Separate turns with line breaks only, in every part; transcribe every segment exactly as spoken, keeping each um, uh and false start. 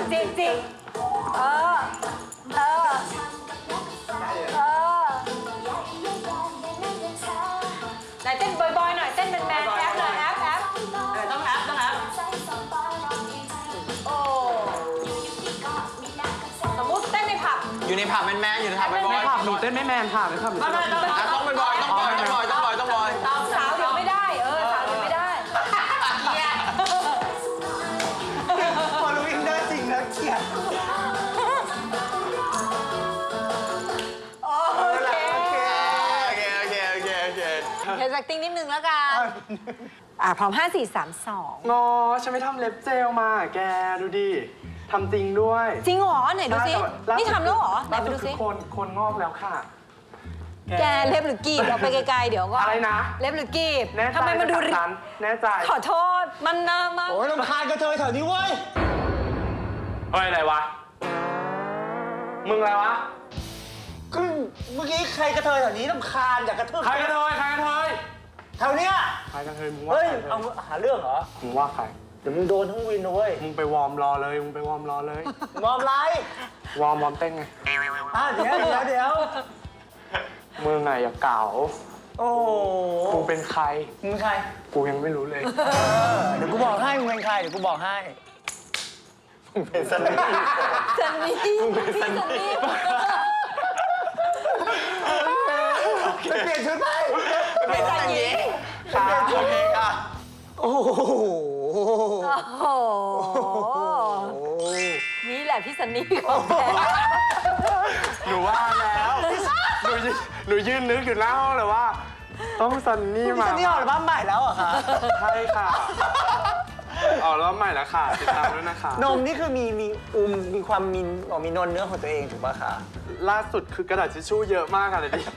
จิกจิกเออเออเออไหนเต้นบอยๆหน่อยเต้นเป็นแมนแอปหน่อยแอปแอปต้องแอปต้องแอปโอ้สมมุติเต้นในผับ
อยู่ในผับแมนแมนอยู่ในผับเป็นบอย
ในผับหนูเต้นไม่แมนค่ะในผับต้อง
ต้องเป็นบอยต้องบอยต้องบอยต้องบอยต้องบอย
สาวเดี๋ยวไม่ได้เออสาวเดี๋ยวไม่ได้เกลียด
พอรู้อินได้จริงแล้วเกลียด
โอเค
โอเคโอเคโอเคโอเค
เฮดแอคติ้งนิดนึงแล้วกันอ่ะพร้อมห้าสี่สามสอง
งอฉันไม่ทำเล็บเจลมาแกดูดิทำจริงด้วย
จริงเหรอไหนดูสินี่ทำแล้วเหรอไหนไปดูสิ
คนคนงอกแล้วค่ะ
แกเล็บหรือกีบเราไปไกลๆเดี๋ยวก็
อะไรนะ
เล็บหรือกีบ
ทำไมมันดูริบแน่ใจ
ขอโทษมันน่ามา
โอ้ยรำคาญกระเทยแถวนี้เว้ย
เฮ้ยอะไรวะมึงอะไรวะ
ก็เมื่อกี้ใครกระเทยแถวนี้รำคาญอยากกระเทย
ใครกระเทยใครกระเทย
แถวเนี้ย
ใครกระเทยมึงว่า
เฮ้ยเอาหาเรื่องเหรอ
มึงว่าใคร
เดี๋ยวมึงโดนทั้งวินนะเว้ย
มึงไปวอร์มรอเลยมึงไปวอร์มรอเลย
มอมไร
วอร์มวอร์มเต้นไง
อ่ะเดี๋ยวเดี๋ยวเดี๋ยว
มึงไงอย่าเก่า
โอ้
กูเป็นใคร
มึงใคร
กูยังไม่รู้เลย
เดี๋ยวกูบอกให้มึงเป็นใครเดี๋ยวกูบอกให้มึงเป็นซันนี่
ซันนี่มึงเป็นซันนี่
ไปเปลี่ยนชุดไปเป็นซันนี่ค่ะโอเคค่ะโอ้โห
โอ้โหนี่แหละพี่ซันนี่ของแท้
หนูว่าแล้วหนูหนูยืนนึกอยู่หน้าห้องเลยว่าต้องซันนี่มา
ซันนี่ออกอัลบั้มใหม่แล้วเหรอคะ
ใช่ค่ะออกอัลบั้มใหม่แล้วค่ะติดตามด้วยนะคะ
นมนี่คือมีมีอุ้มมีความมีมีนนเนื้อของตัวเองถูกป่ะคะ
ล่าสุดคือกระดาษทิชชู่เยอะมากค่ะเลยดิ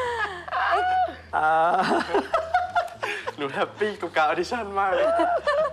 หนูแฮปปี้กับการออดิชั่นมากเลย